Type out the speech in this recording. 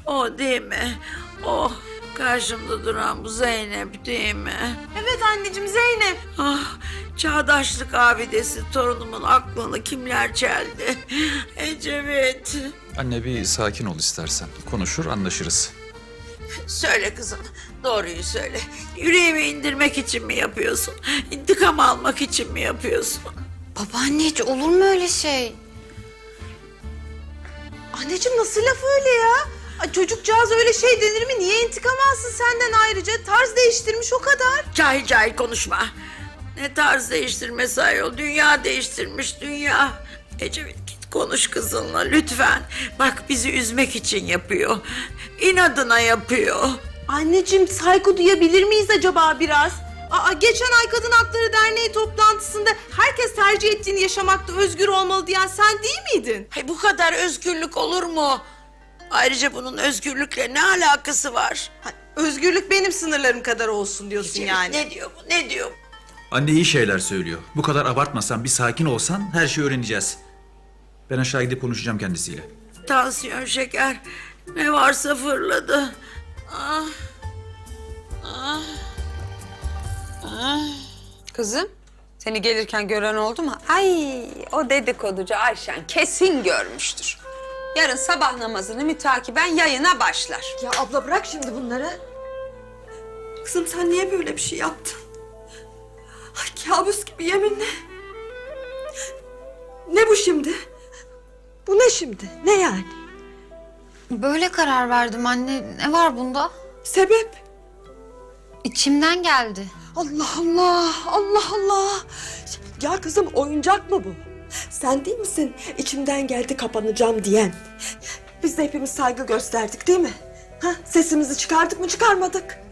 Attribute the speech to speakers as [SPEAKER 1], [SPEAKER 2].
[SPEAKER 1] O değil mi? O karşımda duran bu Zeynep değil mi?
[SPEAKER 2] Evet anneciğim, Zeynep.
[SPEAKER 1] Ah, çağdaşlık abidesi torunumun aklını kimler çeldi? Ecevit.
[SPEAKER 3] Anne bir sakin ol istersen. Konuşur anlaşırız.
[SPEAKER 1] Söyle kızım, doğruyu söyle. Yüreğimi indirmek için mi yapıyorsun? İntikam almak için mi yapıyorsun?
[SPEAKER 4] Babaanne hiç olur mu öyle şey?
[SPEAKER 2] Anneciğim nasıl laf öyle ya? Ay, çocukcağız öyle şey denir mi? Niye intikam alsın senden ayrıca? Tarz değiştirmiş o kadar.
[SPEAKER 1] Cahil cahil konuşma. Ne tarz değiştirmesi ayol, dünya değiştirmiş dünya. Ecevit git konuş kızınla lütfen. Bak bizi üzmek için yapıyor. İnadına yapıyor.
[SPEAKER 2] Anneciğim saygı duyabilir miyiz acaba biraz? Geçen ay Kadın Hakları Derneği toplantısında herkes tercih ettiğini yaşamakta özgür olmalı diyen sen değil miydin?
[SPEAKER 1] Hay bu kadar özgürlük olur mu? Ayrıca bunun özgürlükle ne alakası var?
[SPEAKER 2] Özgürlük benim sınırlarım kadar olsun diyorsun
[SPEAKER 1] Ecevit,
[SPEAKER 2] yani.
[SPEAKER 1] ne diyor bu, ne diyor bu?
[SPEAKER 3] Anne iyi şeyler söylüyor. Bu kadar abartmasan, bir sakin olsan her şeyi öğreneceğiz. Ben aşağı gidip konuşacağım kendisiyle.
[SPEAKER 1] Tansiyon, şeker, ne varsa fırladı. Ah, ah, ah.
[SPEAKER 5] Kızım, seni gelirken gören oldu mu? Ay, o dedikoducu Ayşen kesin görmüştür. Yarın sabah namazını mütakiben yayına başlar.
[SPEAKER 6] Ya abla bırak şimdi bunları. Kızım sen niye böyle bir şey yaptın? Ay, kabus gibi yeminle. Ne bu şimdi? Bu ne şimdi? Ne yani?
[SPEAKER 4] Böyle karar verdim anne. Ne var bunda?
[SPEAKER 6] Sebep?
[SPEAKER 4] İçimden geldi.
[SPEAKER 6] Allah Allah, Allah Allah. Ya kızım oyuncak mı bu? Sen değil misin içimden geldi kapanacağım diyen? Biz de hepimiz saygı gösterdik değil mi? Ha, sesimizi çıkardık mı çıkarmadık?